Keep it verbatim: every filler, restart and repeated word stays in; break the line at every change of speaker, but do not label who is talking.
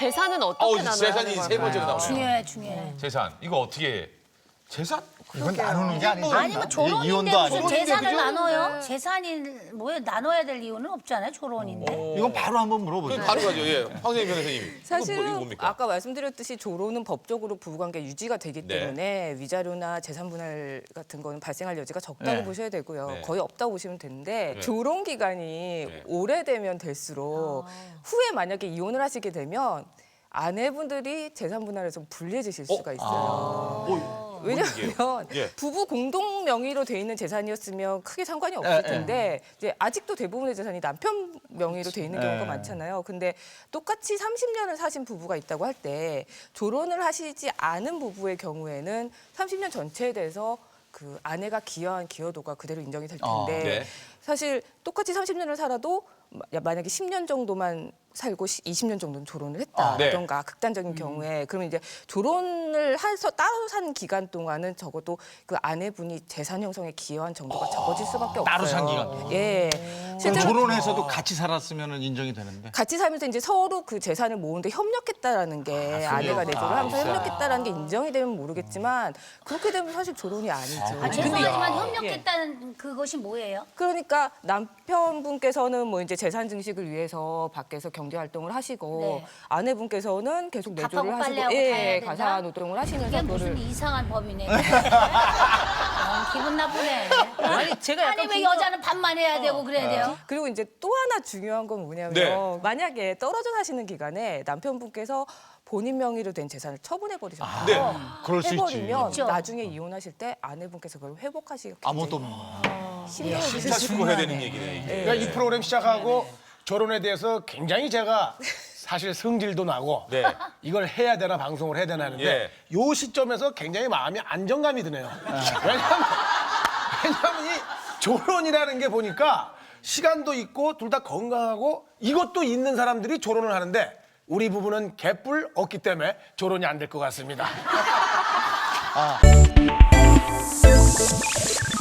재산은 어떻게
어우,
나눠야
재산이
되는
세 번째가
걸까요?
나오네요.
중요해, 중요해.
재산 이거 어떻게 재산?
이건 나누는 게 아니죠.
아니면 조론인데
이혼도
무슨
아니고.
재산을
그죠?
나눠요? 재산이 뭐에 나눠야 될 이유는 없잖아요, 조론인데.
이건 바로 한번 물어보세요.
바로 가죠. 예, 황정희 변호사님. 이거 뭐-
사실은
이거 뭡니까?
아까 말씀드렸듯이 조론은 법적으로 부부관계 유지가 되기
네.
때문에 위자료나 재산 분할 같은 거는 발생할 여지가 적다고
네.
보셔야 되고요.
네.
거의 없다고 보시면 되는데
네.
조론 기간이
네.
오래되면 될수록 후에 만약에 이혼을 하시게 되면 아내분들이 재산 분할에서 불리해지실 수가 있어요.
어,
왜냐하면
예.
부부 공동 명의로 돼 있는 재산이었으면 크게 상관이 없을
예, 예.
텐데 이제 아직도 대부분의 재산이 남편 명의로 돼 있는 경우가
예.
많잖아요. 근데 똑같이 삼십 년을 사신 부부가 있다고 할 때 조론을 하시지 않은 부부의 경우에는 삼십 년 전체에 대해서 그 아내가 기여한 기여도가 그대로 인정이 될
아,
텐데
네.
사실 똑같이 삼십 년을 살아도 마- 만약에 십 년 정도만 살고 시- 이십 년 정도는 조론을 했다던가
네.
극단적인 경우에 그러면 이제 조론을 해서 따로 산 기간 동안은 적어도 그 아내분이 재산 형성에 기여한 정도가 적어질 수밖에 없어요.
따로 산 기간 동안.
예.
그럼
실제로
조론해서도 같이 살았으면 인정이 되는데.
같이 살면서 이제 서로 그 재산을 모으는데 협력했다라는 게 아, 내가 내조를 하면서 협력했다라는 게 인정이 되면 모르겠지만 그렇게 되면 사실 조론이 아니죠.
아, 죄송하지만 협력했다는 그것이 뭐예요?
그러니까 남편분께서는 뭐 이제 재산 증식을 위해서 밖에서 경제 활동을 하시고
네.
아내분께서는 계속
밥하고
내조를 하시고
빨래하고 다 해야
예,
된다?
가사 노동을 하시면서
그게 무슨
그거를
이상한 법이네. 어, 기분 나쁘네.
아니 제가 약간
아니 왜
궁금-
여자는 밥만 해야 되고 그래야 돼요?
그리고 이제 또 하나 중요한 건 뭐냐면
네.
만약에 떨어져 사시는 기간에 남편분께서 본인 명의로 된 재산을 처분해 버리셨다.
네.
그럴 수 있지.
해버리면
있죠.
나중에 이혼하실 때 아내분께서 그걸 회복하시기
아무것도 없는 거야.
힘들어
진짜 수고해야 되는 얘기네. 이게.
그러니까 이 프로그램 시작하고 결혼에 대해서 굉장히 제가 사실 성질도 나고
네.
이걸 해야 되나 방송을 해야 되나 하는데
예.
요 시점에서 굉장히 마음이 안정감이 드네요. 왜냐하면, 왜냐하면 이 조론이라는 게 보니까 시간도 있고 둘 다 건강하고 이것도 있는 사람들이 조론을 하는데 우리 부부는 개뿔 없기 때문에 조론이 안 될 것 같습니다.
아.